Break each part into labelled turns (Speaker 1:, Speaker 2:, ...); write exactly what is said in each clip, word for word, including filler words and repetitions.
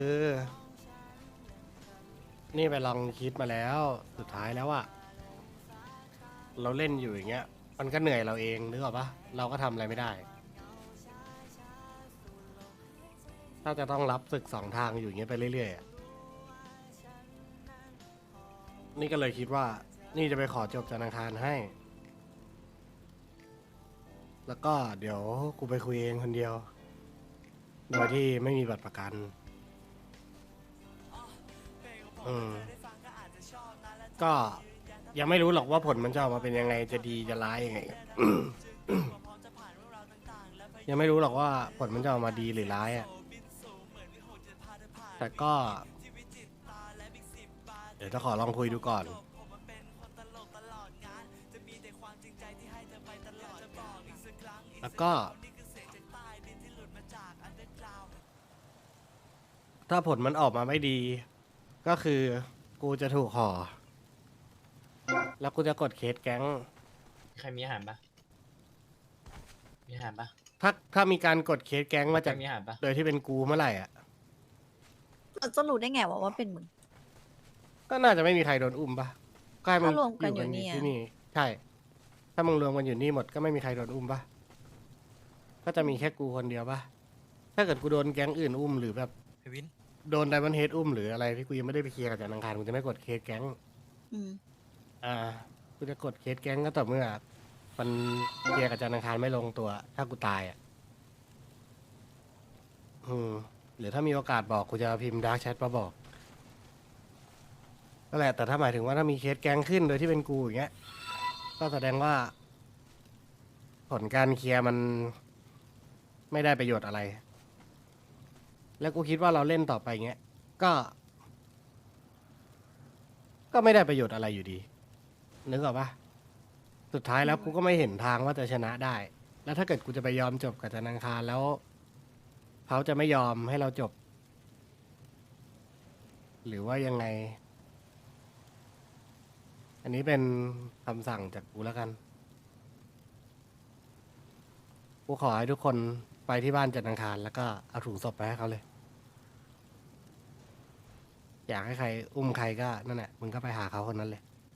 Speaker 1: เออนี่ไปลองคิดมาแล้วสุดท้ายแล้วอะเราเล่นอยู่อย่างเงี้ยมันก็เหนื่อยเราเองนึกออกปะเราก็ทำอะไรไม่ได้ถ้าจะต้องรับศึกสองทางอยู่อย่างเงี้ยไปเรื่อยๆอะนี่ก็เลยคิดว่านี่จะไปขอจบธนาคารให้ แล้วก็เดี๋ยวกูไปคุยเองคนเดียวโดยที่ไม่มีบัตรประกันอืมก็ยังไม่รู้หรอกว่าผลมันจะออกมาเป็นยังไงจะดีจะร้ายยังไง ยังไม่รู้หรอกว่าผลมันจะออกมาดีหรือร้ายอ่ะแต่ก็เดี๋ยวจะขอลองคุยดูก่อนแล้วก็ถ้าผลมันออกมาไม่ดีก็คือกูจะถูกห่อแล้วกูจะกดเคสแก๊ง
Speaker 2: ใครมีอาหารปะมีอาหารปะ
Speaker 1: ถ้าถ้ามีการกดเคสแก๊งมา
Speaker 2: ใคร
Speaker 1: จาก
Speaker 2: มีอาหารปะ
Speaker 1: โดยที่เป็นกูเมื่อไหร่อ่ะ
Speaker 3: เราจะรู้ได้ไงว่าว่าเป็นมึง
Speaker 1: ก็น่าจะไม่มีใครโดนอุ้มปะก็ให้มึง
Speaker 3: ถ้ารวมกัน
Speaker 1: อยู่กัน
Speaker 3: อยู่นี่อะ
Speaker 1: ที่นี่ ใช่ ถ้ามึงรวมกันอยู่นี่หมดก็ไม่มีใครโดนอุ้มปะก็จะมีแค่กูคนเดียวปะถ้าเกิดกูโดนแก๊งอื่นอุ้มหรือแบบ
Speaker 4: เฮวิน
Speaker 1: โดนไดมอนเฮดอุ้มหรืออะไรที่กูยังไม่ได้ไปเคลียร์กับจันทร์อังคารกูจะไม่กดเคสแก๊ง
Speaker 3: อืม
Speaker 1: อ่ากูจะกดเคสแก๊งก็ต่อเมื่อมันเคลียร์กับจันทร์อังคารไม่ลงตัว ถ้ากูตายอ่ะอืมหรือถ้ามีโอกาสบอกกูจะพิมพ์ดาร์กแชทมาบอกนั่นแหละแต่ถ้าหมายถึงว่าถ้ามีเคสแก๊งขึ้นโดยที่เป็นกูอย่างเงี้ยก็แสดงว่า ผลการเคลียร์มันไม่ได้ประโยชน์อะไร แล้วกูคิดว่าเราเล่นต่อไปเงี้ยก็ ก็ไม่ได้ประโยชน์อะไรอยู่ดีนึกออกปะสุดท้ายแล้วกูก็ไม่เห็นทางว่าจะชนะได้ แล้วถ้าเกิดกูจะไปยอมจบกับจันทร์อังคารแล้วเขาจะไม่ยอมให้เราจบ หรือว่ายังไง อันนี้เป็นคำสั่งจากกูแล้วกัน กูขอให้ทุกคนไปที่บ้านจันทร์อังคารแล้วก็เอาถุงศพไปให้เขาเลย อยากให้ใครอุ้มใครก็นั่นแหละมึงก็ไปหาเขาคนนั้นเลย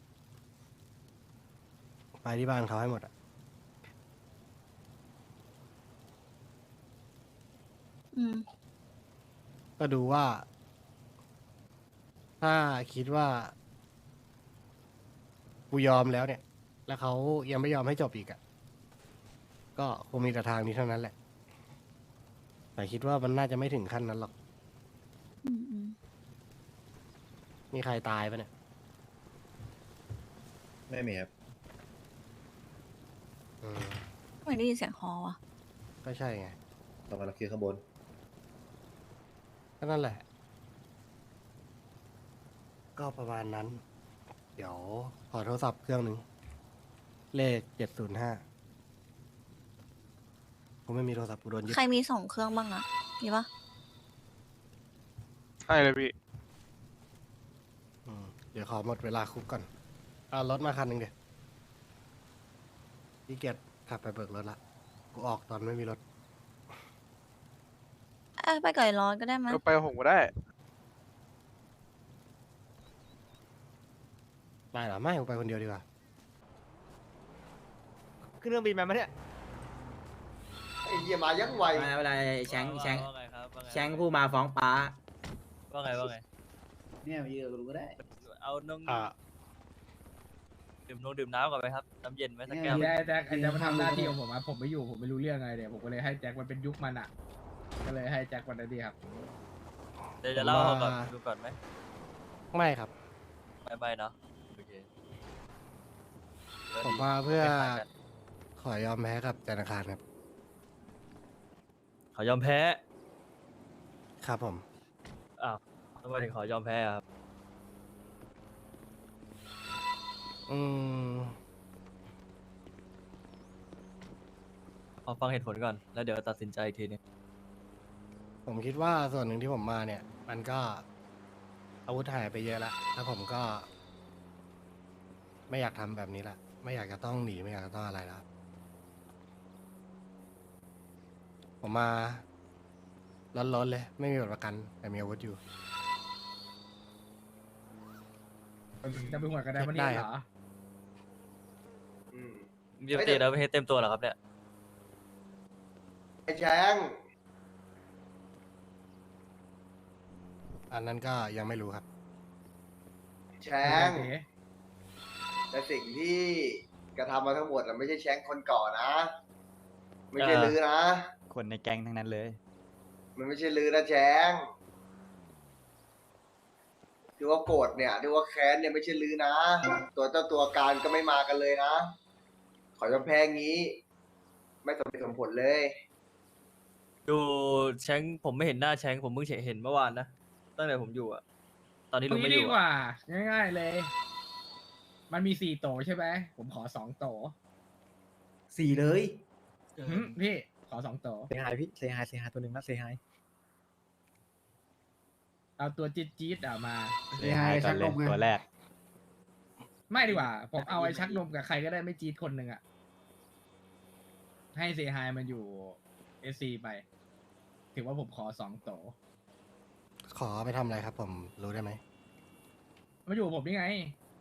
Speaker 1: ไปที่บ้านเขาให้หมดอ่ะ
Speaker 3: อืม
Speaker 1: ก็ดูว่า ถ้าคิดว่ากูยอมแล้วเนี่ย แล้วเขายังไม่ยอมให้จบอีกอ่ะ ก็คงมีแต่ทางนี้เท่านั้นแหละ แต่คิดว่ามันน่าจะไม่ถึงขั้นนั้นหรอก
Speaker 3: อืมอืม
Speaker 1: มีใครตายปะเนี่ย
Speaker 5: ไม่มีครับ
Speaker 1: อืม
Speaker 3: ไม่ได้ยินเสียงฮอวะ
Speaker 1: ก็ใช่ไง
Speaker 5: ต่อมาเราคือข้างบน
Speaker 1: ก็นั่นแหละ ก็ประมาณนั้น เดี๋ยวขอโทรศัพท์เครื่องหนึ่ง เลขเจ็ดศูนย์ห้าผมไม่มีโทรศัพท์กูโดนยึด
Speaker 3: ใครมีสองเครื่องบ้างอะมีปะ
Speaker 4: ใช่เลยพี่
Speaker 1: อืมเดี๋ยวขอหมดเวลาคุกก่อนเอารถมาคันหนึ่งเดี๋ยวพี่เกียรติขับไปเบิกรถละ กูออกตอนไม่มีรถ
Speaker 3: เอ้ยไปก่อยร้อนก็ได้มั้ย
Speaker 4: ก็ไปกับผมก็ได้
Speaker 1: ได้เหรอ ไม่กูไปคนเดียวดีกว่า
Speaker 6: ขึ้นเครื่องบินมาไหมเนี่ย
Speaker 5: ไอ้เหี้ยมายังไว
Speaker 2: ไม่เป็นไรแชงแชง
Speaker 7: ว่าไงครับว่าไง
Speaker 2: แชงผู้มาฟ้องป้า
Speaker 7: ว่าไงว่าไง
Speaker 5: เนี่ยมายืนกับกูก็ได้
Speaker 7: เอานง
Speaker 1: อ่า
Speaker 7: ดื่มนงดื่มน้ำก่อนไหมครับ น้ำเย็นไหมสักแก้ว
Speaker 5: เนี่ย
Speaker 8: แจ็คแจ็คแจ็คมาทำหน้าที่ของผมอะผมไม่อยู่ผมไม่รู้เรื่องอะไรเนี่ยผมก็เลยให้แจ็คมันเป็นยุคมันอ่ะ ก็เลยให้แจ็คมันได้ดีครับ
Speaker 7: เดี๋ยวจะเล่าก่อนดูก่อนไหม
Speaker 1: ไม่ครับ
Speaker 7: ไม่ไม่เนาะโอเค
Speaker 1: ผมมาเพื่อ
Speaker 7: คล้ายๆกัน
Speaker 1: ขอยอมแพ้กับธนาคารครับ
Speaker 7: ขอยอมแพ้
Speaker 1: ครับผม
Speaker 7: อ้าวทำไมถึงขอยอมแพ้อะครับ
Speaker 1: อืม
Speaker 7: ขอฟังเหตุผลก่อน แล้วเดี๋ยวตัดสินใจอีกทีนึง
Speaker 1: ผมคิดว่าส่วนหนึ่งที่ผมมาเนี่ย มันก็อาวุธหายไปเยอะแล้วแล้วผมก็ ไม่อยากทำแบบนี้ละไม่อยากจะต้องหนีไม่อยากจะต้องอะไรแล้ว ผมมาร้อนๆเลย ไม่มีบัตรประกัน แต่มีอาวุธอยู่
Speaker 8: จะไปหัวกระไดมัน
Speaker 1: ได้
Speaker 8: นี่
Speaker 1: ค
Speaker 8: เห
Speaker 1: รั
Speaker 8: ร
Speaker 1: บ
Speaker 8: อ
Speaker 5: อืม
Speaker 7: มีปกติแล้วไม่ให้เต็มตัวเหรอครับเนี่ย
Speaker 5: ไอ้แชง
Speaker 1: อันนั้นก็ยังไม่รู้ครับ
Speaker 5: แชง แต่สิ่งที่กระทำมาทั้งหมดน่ะไม่ใช่แชงคนก่อนนะ ไม่ใช่
Speaker 7: เออ
Speaker 5: ลือนะ
Speaker 4: คนในแก๊งทั้งนั้นเลย
Speaker 5: มันไม่ใช่ลือนะแชงที่ว่าโกรธเนี่ยที่ว่าแค้นเนี่ยไม่ใช่ลือนะ ตัวเจ้าตัวการก็ไม่มากันเลยนะ ขอยอมแพ้งี้ ไม่สมเหตุสมผลเลย
Speaker 7: ดูแชงผมไม่เห็นหน้าแชงผมเพิ่งเห็นเมื่อวานนะตั้งแต่ผมอยู่อะตอนนี้
Speaker 8: ตร
Speaker 7: ลุ
Speaker 8: ง
Speaker 7: ง
Speaker 8: นี้
Speaker 7: ไม่อ
Speaker 8: ดี
Speaker 7: ยู่
Speaker 8: ก
Speaker 7: อะ
Speaker 8: ว่า ง่ายๆเลย มันมีสี่โตใช่ไหม ผมขอสองโต
Speaker 4: สี่เลย
Speaker 8: หึพี่ ขอสองโต
Speaker 4: เซฮายพี่เซฮายเซฮายตัวหนึ่งนะเซฮาย
Speaker 8: เอาตัวจี๊ดจี๊ดๆอะมา
Speaker 4: เซฮายก่อนเลยตัวแรก
Speaker 8: ไม่ดีกว่า ผมเอาไอ้ชักนมกับใครก็ได้ไม่จี๊ดคนหนึ่งอะให้เซฮายมันอยู่เอซีไป ถือว่าผมขอสองโต
Speaker 1: ขอไปทำอะไรครับ ผมรู้ได้ไหม
Speaker 8: มาอยู่กับผมนี่ไง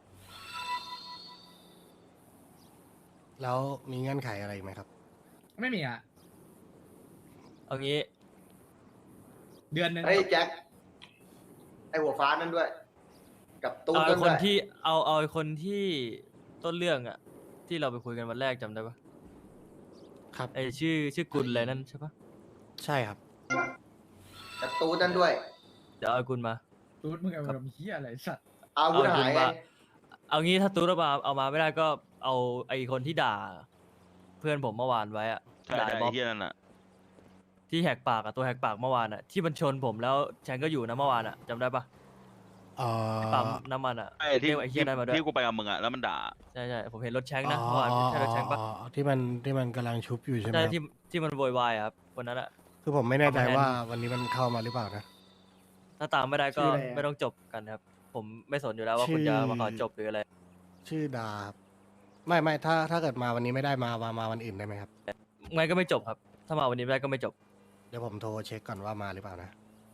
Speaker 1: แล้วมีเงื่อนไขอะไรอีกไหมครับ
Speaker 8: ไม่มีอะ
Speaker 7: เอางี้
Speaker 8: เดือนหนึ่ง
Speaker 5: เฮ้ยแจ็ค ไอหัวฟ้านั่นด้วย กับตู้
Speaker 7: เอา
Speaker 5: นั่
Speaker 7: ไอ้
Speaker 5: น
Speaker 7: ค
Speaker 5: ด้
Speaker 7: น
Speaker 5: วย
Speaker 7: ที่เอาเอาไอ้คนที่ต้นเรื่องอะที่เราไปคุยกันวันแรกจำได้ปะ
Speaker 1: ครับ
Speaker 7: ไอชื่อชื่อกุลอะไรนั่นใช่ปะ
Speaker 1: ใช่ครับ
Speaker 5: กับตู้นั่นด้วย
Speaker 7: เดี๋ยวเอาไอ้กุลมา
Speaker 8: ตูดมึงเอาลมเฮียอะไรสัตว์
Speaker 5: อาวุธ
Speaker 7: เอา
Speaker 5: หาย
Speaker 7: คุณ
Speaker 5: ไง
Speaker 7: ว่า เอางี้ถ้าตูดเอามาเอามาไม่ได้ก็เอาไอคนที่ด่า เพื่อนผมเมื่อวานไว้อะ
Speaker 6: ใช่
Speaker 7: ด่า
Speaker 6: ใช่
Speaker 7: ไอ้บ๊อบ
Speaker 6: ไอ้เฮียนั่นน่ะ
Speaker 7: ที่แหกปากอะตัวแหกปากเมื่อวานอะที่มันชนผมแล้วแชงก็อยู่นะเมื่อวานอะจำได้ปะ
Speaker 1: เอ่อ
Speaker 7: ปั๊มน้ำมันอะ
Speaker 6: ไอ้ที่
Speaker 7: เรียกไอ้เฮียนั่นมาด้วย
Speaker 6: ที่กูไปกับมึงอ่ะ แล้วมันด่า
Speaker 7: ใช่ใช่ผมเห็นรถแชงนะเมื่อวานใช่รถแชงปะ
Speaker 1: อ๋ออ๋อที่มันที่มันกำลังชุบอยู่ใช่ไหม
Speaker 7: ใช่
Speaker 1: ครับ
Speaker 7: ที่ที่มันโวยวายอะครับคนนั้นอะ
Speaker 1: คือผมไม่แน่ใจ
Speaker 7: เอามาแทน
Speaker 1: ว่าวันนี้มันเข้ามาหรือเปล่านะ
Speaker 7: ถ้าตามไม่ได้ก็
Speaker 5: ชื่ออะไรอะ
Speaker 7: ไม่ต้องจบกันครับ ผมไม่สนอยู่แล้วว่าคุณ
Speaker 1: ชื่
Speaker 7: จะ
Speaker 1: อ
Speaker 7: มาขอจบหรืออะไร
Speaker 1: ชื่อดาครับไม่ไม่ถ้าถ้าเกิดมาวันนี้ไม่ได้มามามาวันอื่นได้ไหมครับ
Speaker 7: งั้นก็ไม่จบครับ ถ้ามาวันนี้ไม่ได้ก็ไม่จบ
Speaker 1: เดี๋ยวผมโทรเช็คก่อนว่ามาหรือเปล่านะ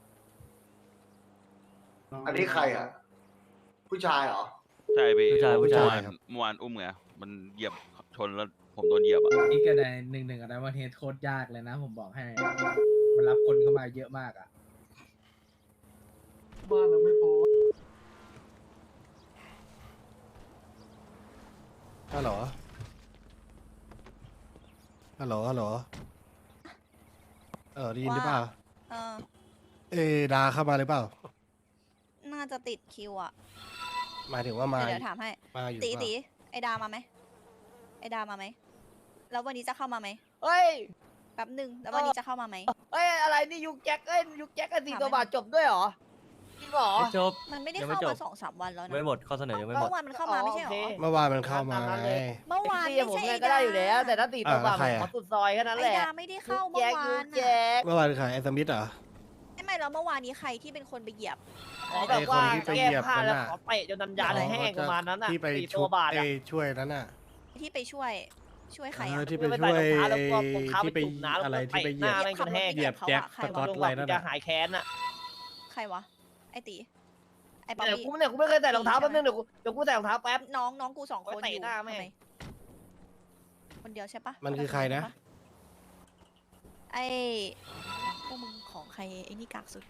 Speaker 5: อันนี้ใครอ่ะ ผู้ชายเหรอ
Speaker 6: ใช่พี่
Speaker 7: ผู้ชายผู้ชาย
Speaker 6: เมื่อวานเมื่อวานอุ้มไง มันเหยียบชนแล้วผมโดนเหยียบอ่ะ
Speaker 8: นี่ก็ได้หนึ่งหนึ่งอะไรว่าเทสโคตรยากเลยนะ ผมบอกให้ มันรับคนเข้ามาเยอะมากอะ
Speaker 5: บ้านเราไม่พอ
Speaker 1: ฮัลโหล ฮัลโหล ฮัลโหล เออได้ยินหรือเปล่า
Speaker 3: เออ
Speaker 1: เอยดาเข้ามาหรือเปล่า
Speaker 3: น่าจะติดคิวอะ
Speaker 1: หมายถึงว่ามา
Speaker 3: เดี๋ยวเดี๋ยวถามให้
Speaker 1: มาอยู่
Speaker 3: ตี
Speaker 1: เปล่า
Speaker 3: ตีไอดามาไหมไอดามาไหมแล้ววันนี้จะเข้ามาไหม
Speaker 9: เฮ้ย
Speaker 3: แป๊บหนึ่งแล้ววันนี้จะเข้ามาไหม
Speaker 9: เฮ้ย อะไรนี่ยุกแจ็คเอ้ยยุกแจ็คกันสี่
Speaker 3: ถาม
Speaker 9: ตัว
Speaker 3: ไหม
Speaker 9: บาทจบด้วยเหรอจริงเหรอ
Speaker 7: ไม่จบ
Speaker 3: มันไม่ได้
Speaker 7: ยังไม่
Speaker 3: เข้า
Speaker 7: จบ
Speaker 3: มาสองสามวันแล้วนะ
Speaker 7: ไม่หมดข้อเสนอยังไม่หม
Speaker 3: เมื่
Speaker 7: ด
Speaker 3: อวานมันเข้ามาไม่ใช่เหรอ
Speaker 9: โอเค
Speaker 1: เมื่อวานมันเข้ามา
Speaker 9: ตามนั้น
Speaker 1: ไง
Speaker 9: เลย
Speaker 3: เมื่อวาน
Speaker 9: ตี
Speaker 3: ไม่
Speaker 9: ผม
Speaker 3: ใช่
Speaker 9: ไง
Speaker 3: ไอ
Speaker 9: ก็
Speaker 3: ดา
Speaker 9: ได้อยู่แล้ว แต่ถ้าสี่ตัวบาท
Speaker 1: อ่า
Speaker 9: ผม
Speaker 1: ใคร
Speaker 9: ข
Speaker 1: อะ
Speaker 9: อสุดซอยแค่นั้น
Speaker 3: ไอ
Speaker 9: แหละ
Speaker 3: ดาไม่ได้เข้า
Speaker 9: ยุก
Speaker 3: เมื่อ
Speaker 9: แจ็คว
Speaker 3: า
Speaker 9: ยุ
Speaker 3: น
Speaker 9: ก
Speaker 3: น่ะ
Speaker 9: แจ็ค
Speaker 1: เมื่อวานใครไอ้สมิธเหรอ
Speaker 3: ไม่ไม่แล้วเมื่อวานนี้ใครที่เป็นคนไปเหยียบ
Speaker 9: ขอแบบว่า
Speaker 1: ไอ้คนที่ไป
Speaker 9: แก้
Speaker 1: เหยียบ
Speaker 9: ผ้า
Speaker 1: นั่น
Speaker 9: แล้ว
Speaker 1: น่ะ
Speaker 9: ขอเตะจนนันยานแห้งประมาณนั้นน่ะ
Speaker 1: ที่ไป
Speaker 9: สี่
Speaker 1: ชุ
Speaker 9: ตัว
Speaker 1: บบ
Speaker 9: าท
Speaker 1: ไอ้
Speaker 9: อะ
Speaker 1: ช่วยนั้นน่ะ
Speaker 3: ที่ไปช่วยช่วยใคร
Speaker 1: เอ
Speaker 3: อะ
Speaker 1: อที่ไป
Speaker 9: ไม่
Speaker 1: ช่วย
Speaker 9: ใส่รองเท้าแล้ว
Speaker 1: ไอ้
Speaker 9: ก็รองเท้า
Speaker 1: ที่ไป
Speaker 9: ไปจุ่มน้ำแล้วก็
Speaker 1: อะไรที่ไปเหยียบ
Speaker 9: เตะหน้าแม่งจนแห้ง
Speaker 1: เหยียบแจ็ค
Speaker 3: ใคร
Speaker 1: ส
Speaker 3: วะ
Speaker 1: กอต
Speaker 9: ลง
Speaker 1: อะไร
Speaker 9: มา
Speaker 1: นั่น
Speaker 9: จะ
Speaker 1: น่ะ
Speaker 9: หายแค้นอ่ะ
Speaker 3: ใครวะไอตีไอป๊อป
Speaker 9: เดี๋ยว
Speaker 3: ปี้
Speaker 9: กูเนี่ยกูไม่เคยใส่รองเท้าแป๊บนึงเดี๋ยวกูเดี๋ยวกูใส่รองเท้าแป๊บ
Speaker 3: น้องน้องกูสองคน
Speaker 9: โอ๊ยเตะ
Speaker 3: อยู่
Speaker 9: หน้าแม่ง
Speaker 3: ทำไมคนเดียวใช่ปะ
Speaker 1: มันคือใครนะ
Speaker 3: ไอพวกมึงของใครไอ้นี่กากสุด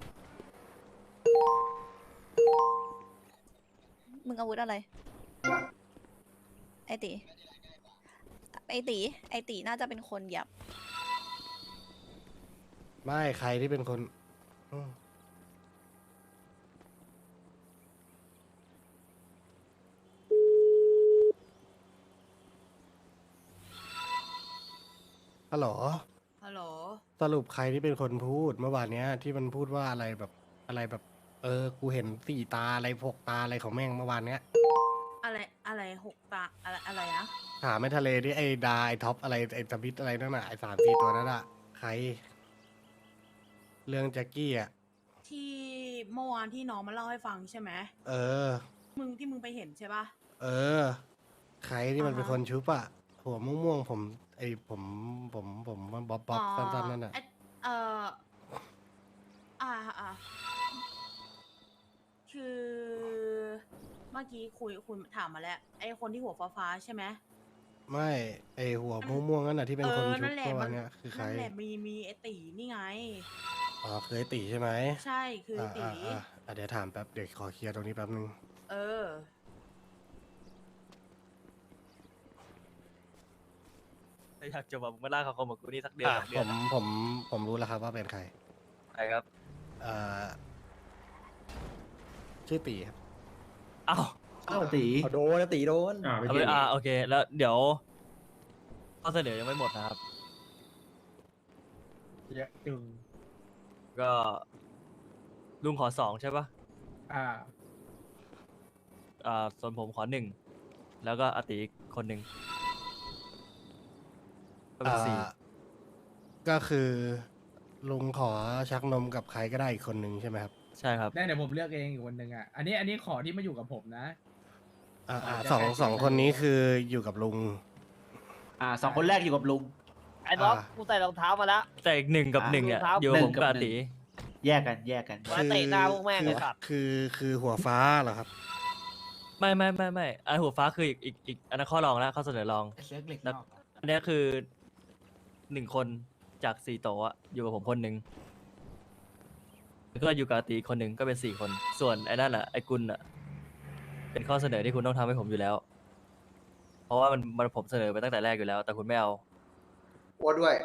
Speaker 3: มึงอาวุธอะไร ไอตีไอตีไอตีน่าจะเป็นคนเหยียบ
Speaker 1: ไม่ใครที่เป็นคนอืมฮัลโหล
Speaker 9: ฮัลโหล
Speaker 1: สรุปใครที่เป็นคนพูดเมื่อวานเนี้ย ที่มันพูดว่าอะไรแบบอะไรแบบ เออ กูเห็นสี่ตาอะไรหกตาอะไรของแม่งเมื่อวานเนี้ย
Speaker 10: อะไรอะไรหกตาอะไรอะไรนะ
Speaker 1: ถามไอ้ทะเลดิไอ้ดาไอ้ท็อปอะไรไอ้สมิธอะไรนั่นน่ะไอ้สามสี่ตัวนั่นอะใคร เรื่องแจ็คกี้อ่ะ
Speaker 10: ที่เมื่อวานที่น้องมาเล่าให้ฟังใช่ไหม
Speaker 1: เออ
Speaker 10: มึงที่มึงไปเห็นใช่ปะ
Speaker 1: เออ ใครที่มันเป็น
Speaker 10: อ่าฮะ
Speaker 1: คนชุบอะหัวม่วงๆผม ไอ้ผมผมผมบ๊อบบ๊อบสั้นๆนั่นน่ะ
Speaker 10: ไอ้เอ่ออ่าอ่าคือเมื่อกี้คุยคุณถามมาแล้ว ไอ้คนที่หัวฟ้าๆใช่ไหม
Speaker 1: ไม่ไอหัวม่วงๆนั่นน่ะที่เป็นคน
Speaker 10: ออ
Speaker 1: ชุบ
Speaker 10: นั่นแหละ
Speaker 1: ตัว
Speaker 10: มัน
Speaker 1: เนี่ยคือใคร
Speaker 10: นั่นแหละมีมีไอตีนี่ไง
Speaker 1: อ๋อเคยตีใช่ไหม
Speaker 10: ใช่คือไอ้
Speaker 1: อ่า
Speaker 10: ตี
Speaker 1: อ่าอ่าอ่ะเดี๋ยวถามแป๊บเดี๋ยวขอเคลียร์ตรงนี้แป๊บนึง
Speaker 10: เออ
Speaker 7: ถ้าอยากจะบอกมึงมาล่าเขาคมกับกูนี่สักเดือน
Speaker 1: อ่ะ
Speaker 7: สองเดื
Speaker 1: ผ
Speaker 7: อน
Speaker 1: มผมผมรู้แล้วครับว่าเป็นใคร
Speaker 7: ใช่ครับ
Speaker 1: อ่าชื่อตีครับ
Speaker 7: อ้าว
Speaker 4: อ้าวตีโดนตีโดน
Speaker 8: อ่า
Speaker 7: เอาไปอ่าโอเค แล้วเดี๋ยวข้อเสนอยังไม่หมดนะครับ
Speaker 8: เยอะจึง
Speaker 7: ก็ลุงขอสองใช่ปะ
Speaker 8: อ่า
Speaker 7: อ่าส่วนผมขอหนึ่งแล้วก็อาติอีกคนหนึ่งก็เป็นสี่
Speaker 1: อ่าก็คือลุงขอชักนมกับใครก็ได้อีกคนนึงใช่ไหมครับ
Speaker 7: ใช่ครับ
Speaker 8: ได้เดี๋ยวผมเลือกเองอีกคนหนึ่งอ่ะ อันนี้อันนี้ขอที่มาอยู่กับผมนะ
Speaker 1: อ่าอ่า
Speaker 8: อ่า
Speaker 1: สอง
Speaker 8: ได้
Speaker 1: สองคนนี้คืออยู่กับลุง
Speaker 4: อ่าสองคนแรกอยู่กับลุง
Speaker 9: ไอ้บ๊อบ
Speaker 1: อ่า
Speaker 9: กูใส่รองเท้ามาแล้ว
Speaker 7: แต่อีกหนึ่งกับ
Speaker 4: อ่า
Speaker 7: หนึ่งเนี่ย
Speaker 9: รองเท้า
Speaker 7: อยู่กับผม
Speaker 4: หนึ่งกับ
Speaker 7: กับอา
Speaker 4: หนึ่ง
Speaker 7: ติ
Speaker 4: แยกกันแยกกัน
Speaker 9: มาเตะหน้าพวกแม่ง
Speaker 1: คื
Speaker 9: เลยสัตว์
Speaker 1: คือคือหัวฟ้าเหรอครับ
Speaker 7: ไม่ไม่ไม่ไม่อันหัวฟ้าคืออีกอีกอีกอันนั้นข้อรองแล้วข้อเสนอรอง
Speaker 4: เลือกเหล็ก
Speaker 7: แล้วอันเนี้ยคือหนึ่งคนจากสี่โต๊ะอะอยู่กับผมคนหนึ่งแล้วก็อยู่กับอาติอีกคนหนึ่งก็เป็นสี่คน ส่วนไอ้นั่นแหละไอ้กุลอะเป็นข้อเสนอที่คุณต้องทำให้ผมอยู่แล้ว เพราะว่ามันมันผมเสนอไปตั้งแต่แรกอยู่แล้ว แต่คุณไม่เอา
Speaker 5: อ้วนด้วย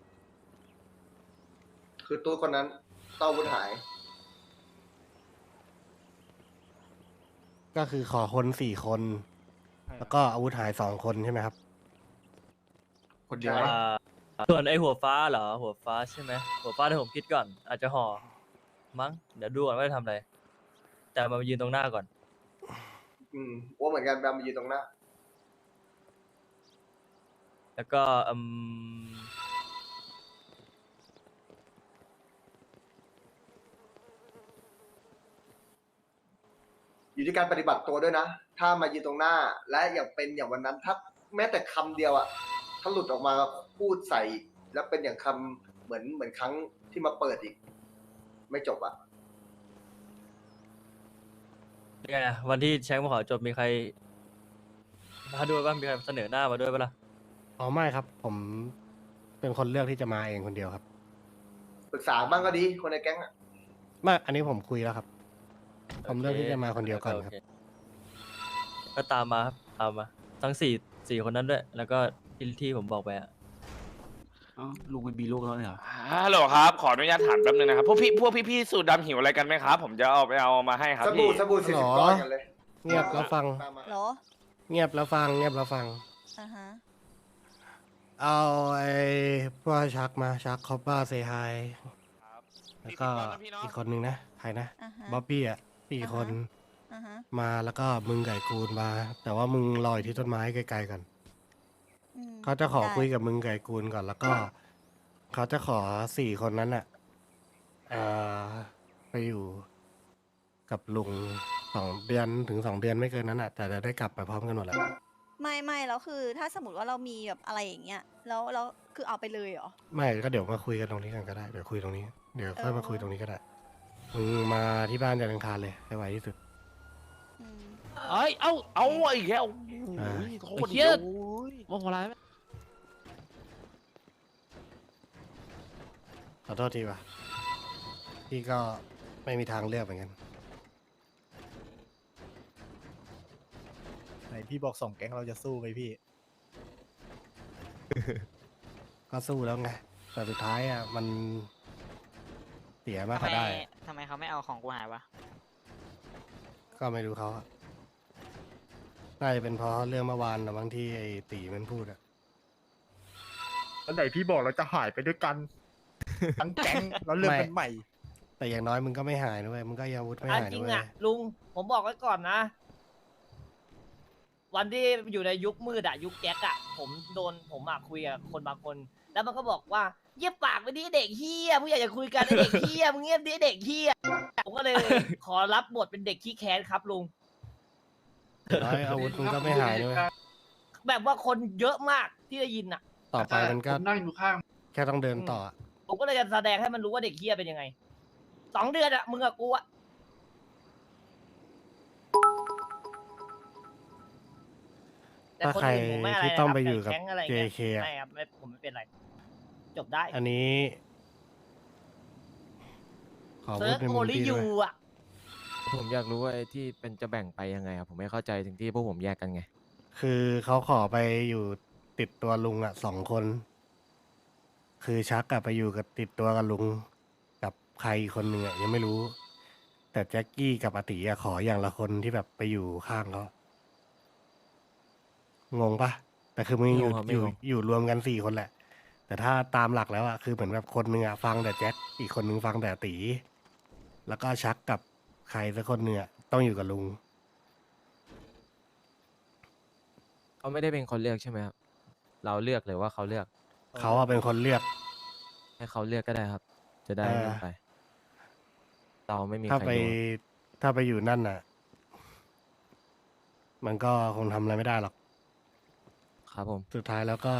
Speaker 5: คือตู้คนนั้นต้องอาวุธหาย
Speaker 1: ก็คือขอคนสี่คน แล้วก็อาวุธหายสองคนใช่ไหมครับ
Speaker 4: คนเดียว
Speaker 5: ใช่
Speaker 7: อ่าส่วนไอ้หัวฟ้าเหรอหัวฟ้าใช่ไหมหัวฟ้าเดี๋ยวผมคิดก่อน อาจจะห่อมั้งเดี๋ยวดูก่อนว่าจะทำอะไรแต่มายืนตรงหน้าก่อน
Speaker 5: อืมอ้วนเหมือนกันแบมมายืนตรงหน้า
Speaker 7: แล้วก็อืม
Speaker 5: อยู่ที่การปฏิบัติตัวด้วยนะ ถ้ามายืนตรงหน้า และอย่างเป็นอย่างวันนั้น ถ้าแม้แต่คำเดียวอะถ้าหลุดออกมาพูดใส่อีกแล้วเป็นอย่างคำเหมือนเหมือนครั้งที่มาเปิดอีก ไม่จบอะ
Speaker 7: ยังไงอะวันที่แชงมาขอจบมีใครมาด้วยบ้างมีใครเสนอหน้ามาด้วยปะล่ะ
Speaker 1: อ๋อไม่ครับ ผมเป็นคนเลือกที่จะมาเองคนเดียวครับ
Speaker 5: ปรึกษาบ้างก็ดี คนในแก๊งอะ
Speaker 1: ไม่อันนี้ผมคุยแล้วครับ ผมเลือกที่จะมาคนเดียวก่อนครับ
Speaker 7: โเก็ตามมาครับตามมา ทั้งสี่สี่คนนั้นด้วย แล้วก็ที่ที่ผมบอกไปอะ
Speaker 4: ลุงเป็นบีลูกแล้วเนี่ยเหรอ
Speaker 11: ฮัลโหลครับ ขออนุญาตถามแป๊บนึงนะครับ พวกพี่พวกพี่ๆสูตรดำหิวอะไรกันไหมครับ ผมจะเอาไปเอามาให้ครับ
Speaker 5: สบู่
Speaker 11: พี่
Speaker 5: สบู่สี่
Speaker 1: หร
Speaker 5: สิบ
Speaker 1: อ
Speaker 5: ก้อนกันเลย
Speaker 1: เงียบแล้วฟัง
Speaker 5: มามา
Speaker 3: เหรอ
Speaker 1: เงียบแล้วฟัง เงียบแล้วฟัง
Speaker 3: อ่าฮะ
Speaker 1: เอาไอ้พวกชักมาชักคอปป้าเซฮายแล้วก็
Speaker 11: สี่สิบก้อนนะพี่เนาะ
Speaker 1: อีกคนนึงนะใครนะ
Speaker 3: อ่าฮะ
Speaker 1: บ๊อบบี้อ่ะสี่
Speaker 3: อ่าฮะ
Speaker 1: คน
Speaker 3: อ่าฮะ
Speaker 1: มาแล้วก็มึงไก่กูนมา แต่ว่ามึงลอยที่ต้นไม้ไกลๆก่อน
Speaker 3: อืม
Speaker 1: เขาจะขอ
Speaker 3: ได้
Speaker 1: คุยกับมึงไก่กูนก่อนแล้วก็เขาจะขอสี่คนนั้นอ่ะเอ่อไปอยู่กับลุงสองเดือนถึงสองเดือนไม่เกินนั้นอ่ะแต่จะได้กลับไปพร้อมกันหมดแล้ว
Speaker 3: ไม่ไม่แล้วคือ ถ้าสมมติว่าเรามีแบบอะไรอย่างเงี้ย แล้วแล้วคือเอาไปเลยเหรอ
Speaker 1: ไม่ก็เดี๋ยวมาคุยกันตรงนี้กันก็ได้เดี๋ยวคุยตรงนี้เดี๋ยวค่อย
Speaker 3: เออ
Speaker 1: มาคุยตรงนี้ก็ได้มึงมาที่บ้านจันทร์อังคารเลยให้ไวที่สุด
Speaker 3: อืม
Speaker 11: เอ้ย เอาเอาอีกแล้ว
Speaker 1: อ่า
Speaker 11: โอ้ยโคตร
Speaker 9: เหี้
Speaker 11: เย
Speaker 9: ย
Speaker 11: อะ
Speaker 9: โมโหอะไรไหม
Speaker 1: ขอโทษทีว่ะพี่ก็ไม่มีทางเลือกเหมือนกัน
Speaker 4: ไหนพี่บอกสองแก๊งเราจะสู้ไหมพี่
Speaker 1: ก็สู้แล้วไงแต่สุดท้ายอ่ะมันเสียมากก็ได้
Speaker 9: ทำไมเขาไม่เอาของกูหายวะ
Speaker 1: ก็ไม่รู้เขาอะน่าจะเป็นเพราะเรื่องเมื่อวานนะบางที่ไอ้ตีมันพูดอะ
Speaker 4: แล้วไหนพี่บอกเราจะหายไปด้วยกัน ทั้งแก๊งแล้วเรื่องเป็นใหม่
Speaker 1: แต่อย่างน้อยมึงก็ไม่หายด้วยมึงก็ยังอาวุธไม่
Speaker 9: อ่ะ
Speaker 1: หาย
Speaker 9: จริ
Speaker 1: ด้
Speaker 9: ง
Speaker 1: วย
Speaker 9: อ่ะ ลุง ผมบอกไว้ก่อนนะ วันที่อยู่ในยุคมืดอะยุคแก๊กอะผมโดนผมอะคุยกับคนบางคน แล้วมันก็บอกว่าเยียบปากไปดิเด็กเฮียผู้ใหญ่จะคุยกันไอ้เด็กเฮียมึงเงียบดิเด็กเฮียผมก็เลย ขอรับบทเป็นเด็กขี้แค้นครับลุง
Speaker 1: อย่างน้อยอาวุธมึงก็ไม่หายด้วย
Speaker 9: แบบว่าคนเยอะมากที่ได้ยินอะ
Speaker 1: ต่อไปมันก็
Speaker 8: นั่งอยู่ข้าง
Speaker 1: แค่ต้องเดินต่ออะ
Speaker 9: ผมก็เลยจะแสดงให้มันรู้ว่าเด็กเฮียเป็นยังไงสองเดือนอะมึงกับกูอะแต่
Speaker 1: ถ้า
Speaker 9: คน
Speaker 1: ใคร
Speaker 9: อื่นผมไม่อะไร
Speaker 1: ที่
Speaker 9: นะ
Speaker 1: ต้อง
Speaker 9: ครับ
Speaker 1: ไปอยู่กับ
Speaker 9: แก๊งอะไร
Speaker 1: เจ
Speaker 9: เงี้ย
Speaker 1: เค อะ
Speaker 9: ไม่ครับไม่ผมไม่เป็นไร จบได้
Speaker 1: อันนี้ ขอ
Speaker 9: เซิ
Speaker 1: พู
Speaker 9: ร์
Speaker 1: ด
Speaker 9: ฟ
Speaker 1: ใน
Speaker 9: โอ
Speaker 1: มุม
Speaker 9: ลิ
Speaker 1: พี่
Speaker 9: ยู
Speaker 1: ด้วย
Speaker 9: อะ
Speaker 12: ผมอยากรู้ว่าไอ้ที่เป็นจะแบ่งไปยังไงครับผมไม่เข้าใจถึงที่พวกผมแยกกันไง
Speaker 1: คือเขาขอไปอยู่ติดตัวลุงอ่ะสองคน คือชักกลับไปอยู่กับติดตัวกับลุง กับใครอีกคนหนึ่งอ่ะยังไม่รู้ แต่แจ็คกี้กับอาติอะขออย่างละคนที่แบบไปอยู่ข้างเขางงปะแต่คือมึงอยู่
Speaker 12: ไม่งงครับไม่
Speaker 1: อยู่
Speaker 12: งง
Speaker 1: อยู่รวมกันสี่คนแหละ แต่ถ้าตามหลักแล้วอ่ะคือเหมือนแบบคนหนึ่งอ่ะฟังแต่แจ็คอีกคนหนึ่งฟังแต่อาติแล้วก็ชักกับใครสักคนหนึ่งอ่ะต้องอยู่กับลุง
Speaker 12: เขาไม่ได้เป็นคนเลือกใช่ไหมครับเราเลือกหรือว่าเขาเลือก
Speaker 1: เขาอะเป็นคนเลือก
Speaker 12: ให้เขาเลือกก็ได้ครับ จะได้
Speaker 1: เออ
Speaker 12: ไม่ไป เราไม่มี
Speaker 1: ถ้า
Speaker 12: ใคร
Speaker 1: ไป
Speaker 12: รู้
Speaker 1: ถ้าไปอยู่นั่นน่ะ มันก็คงทำอะไรไม่ได้หรอก
Speaker 12: ครับผม
Speaker 1: สุดท้ายแล้วก็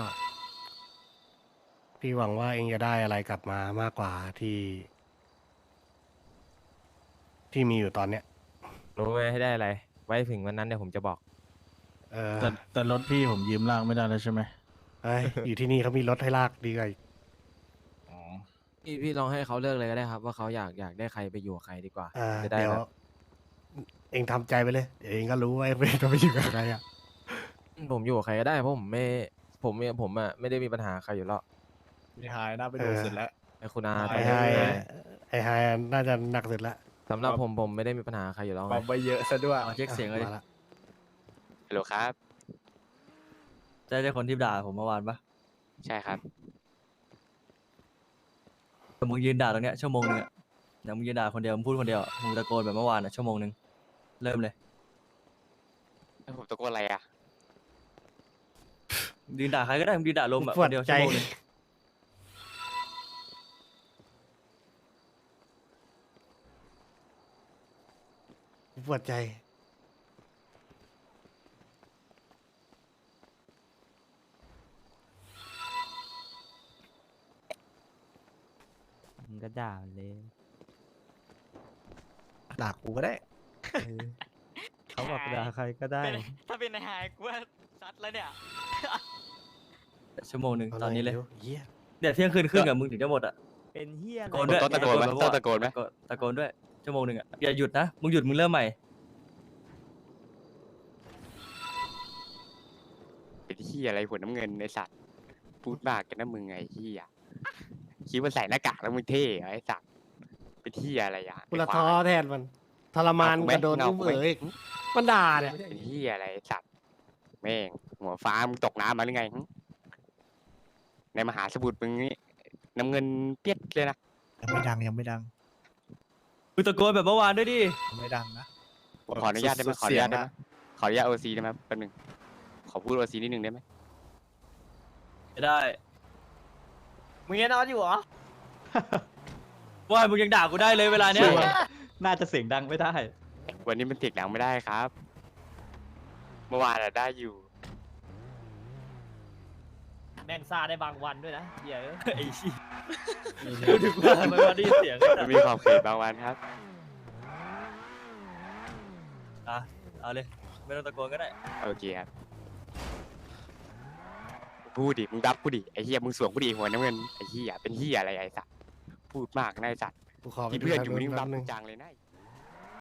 Speaker 1: พี่หวังว่าเองจะได้อะไรกลับมามากกว่าที่ ที่มีอยู่ตอนเนี้ย
Speaker 12: รู้ไหมให้ได้อะไร ไว้ถึงวันนั้นเดี๋ยวผมจะบอก
Speaker 1: เออ
Speaker 4: แต่แต่รถพี่ผมยืมล่างไม่ได้แล้วใช่ไหม
Speaker 1: เอ้ย อยู่ที่นี่เขามีรถให้ลากดีกว่าอีก
Speaker 4: อ๋อ
Speaker 12: พี่พี่ลองให้เขาเลือกเลยก็ได้ครับ ว่าเขาอยากอยากได้ใครไปอยู่กับใครดีกว่า
Speaker 1: อ่า
Speaker 12: จะได้
Speaker 1: เดี๋ยว
Speaker 12: แบบ
Speaker 1: เองทำใจไปเลย เดี๋ยวเองก็รู้ว่าเองจะไปอยู่กับใครอ่ะ
Speaker 12: ผมอยู่กับใครก็ได้เพราะผมไม่ผมเนี่ยผมอ่ะไม่ได้มีปัญหาใครอยู่แล้ว
Speaker 4: พี่หายน่าไปดูเสร็จแล้ว
Speaker 12: ไอ้คุณอา
Speaker 1: ไอ้ไฮไอ้ไฮน่าจะหนักสุดละ
Speaker 12: สำหรับผมผมไม่ได้มีปัญหาใครอยู่แล้วไง
Speaker 4: บัมไปเยอะซะด้วย
Speaker 7: เอาเช็คเสียงเลย
Speaker 1: มาละ
Speaker 11: ฮัลโหลครับ
Speaker 7: ใช่ใช่คนที่ด่าผมเมื่อวานปะ
Speaker 11: ใช่ครับ
Speaker 7: แต่มึงยืนด่าตรงเนี้ยชั่วโมงนึงอะเดี๋ยวมึงยืนด่าคนเดียวมึงพูดคนเดียวอะมึงตะโกนแบบเมื่อวานอะชั่วโมงนึงเริ่มเลย
Speaker 11: แล้วผมตะโกนอะไรอ่ะ
Speaker 7: ยืนด่าใครก็ได้มึงยืนด่าลมอะ
Speaker 1: ป
Speaker 7: คว
Speaker 1: ด
Speaker 7: นเดียว
Speaker 1: ใจ
Speaker 7: ชั่วโมงนึง
Speaker 1: ปวดใจ
Speaker 12: มึงก็ด่าเลย
Speaker 4: ด่ากูก็ได้
Speaker 12: เขาบอกด่าใครก็ได้
Speaker 2: ถ้าเป็นนายหายกูว่าซัดแล้วเนี่ย
Speaker 7: ชั่วโมงนึงตอนนี้เลย
Speaker 1: ร็วเหี้ย
Speaker 7: เดี๋ยวเที่ยงคืนครึ่งอะมึงถึงจะหมดอะ
Speaker 12: เป็นเฮีย
Speaker 7: ตะโกนด้วย
Speaker 11: ต้องตะโกนไหม
Speaker 7: แบบ
Speaker 11: ต้องตะโกนไหม
Speaker 7: ตะโกนด้วยชั่วโมงนึงอะอย่าหยุดนะมึงหยุดมึงเริ่มใหม่
Speaker 11: เป็นที่อะไรหัวน้ำเงินในสัตว์ พูดมากกันนะมึงไงที่อ่ะคิดว่าใส่หน้ากากแล้วมึงเท่เหรอไอ้สัตว์เป็นที่อะไรอ่ะ
Speaker 1: กูละ
Speaker 11: ไอ้ค
Speaker 1: ท้อ
Speaker 11: วาย
Speaker 1: แทนมันทรมาน
Speaker 11: เอากูไหม
Speaker 1: กระโดน
Speaker 11: เอา
Speaker 1: อุ้ม
Speaker 11: กูไหม
Speaker 1: เอ๋ยมันด่าเนี่ย
Speaker 11: เป็นที่อะไรไอ้สัตว์แม่งหัวฟ้ามึงตกน้ำมาหรือไงหึในมหาสมุทรมึงนี่น้ำเงินเปียดเลยนะ
Speaker 4: ยังไม่ดังยังไม่ดัง
Speaker 7: มึงตะโกนแบบเมื่อวานด้วยดิ
Speaker 4: ยังไม่ดังนะ
Speaker 11: ผมขออนุญาตได้ไหม
Speaker 4: สุ
Speaker 11: ขออนุญาต
Speaker 4: เสี
Speaker 11: ได้
Speaker 4: ยง
Speaker 11: ไหม
Speaker 4: นะ
Speaker 11: ขออนุญาตโอซีได้ไหมแป๊บหนึงขอพูดโอซีนิดนึงได้ไหม
Speaker 7: ไม่ได้
Speaker 9: มึงยังนอนอยู่เหรอ
Speaker 7: ว่ามึงยังด่ากูได้เลยเวลาเนี้ย
Speaker 12: น่าจะเสียงดังไม่ได้
Speaker 11: วันนี้มันเสียงดังไม่ได้ครับ เมื่อวานอะได้อยู่
Speaker 9: แม่งซาได้บางวันด้วยนะเหี้ยเอ้ย
Speaker 7: ไอ้ชี้ดูถึงว่าทำไมวันได้ยินเสียง
Speaker 11: มันมีขอบเขตบางวันครับ
Speaker 7: อ่ะเอาเลยไม่ต้องตะโกนก็ได้
Speaker 11: โอเคครับ พูดดิ มึงรับกูดิ ไอ้เหี้ย มึงสวมกูดิหัวน้ำเงิน ไอ้เหี้ย เป็นเหี้ยอะไรไอ้สัตว์ พูดมากนะไอ้สัตว์
Speaker 1: กูขอไป
Speaker 11: ที่
Speaker 1: ดู
Speaker 11: เพื่อน
Speaker 1: ทาง
Speaker 11: อยู่
Speaker 1: นู้น
Speaker 11: นี่มึง
Speaker 1: แป๊
Speaker 11: รับบ
Speaker 1: นึง
Speaker 11: จังเลยนะ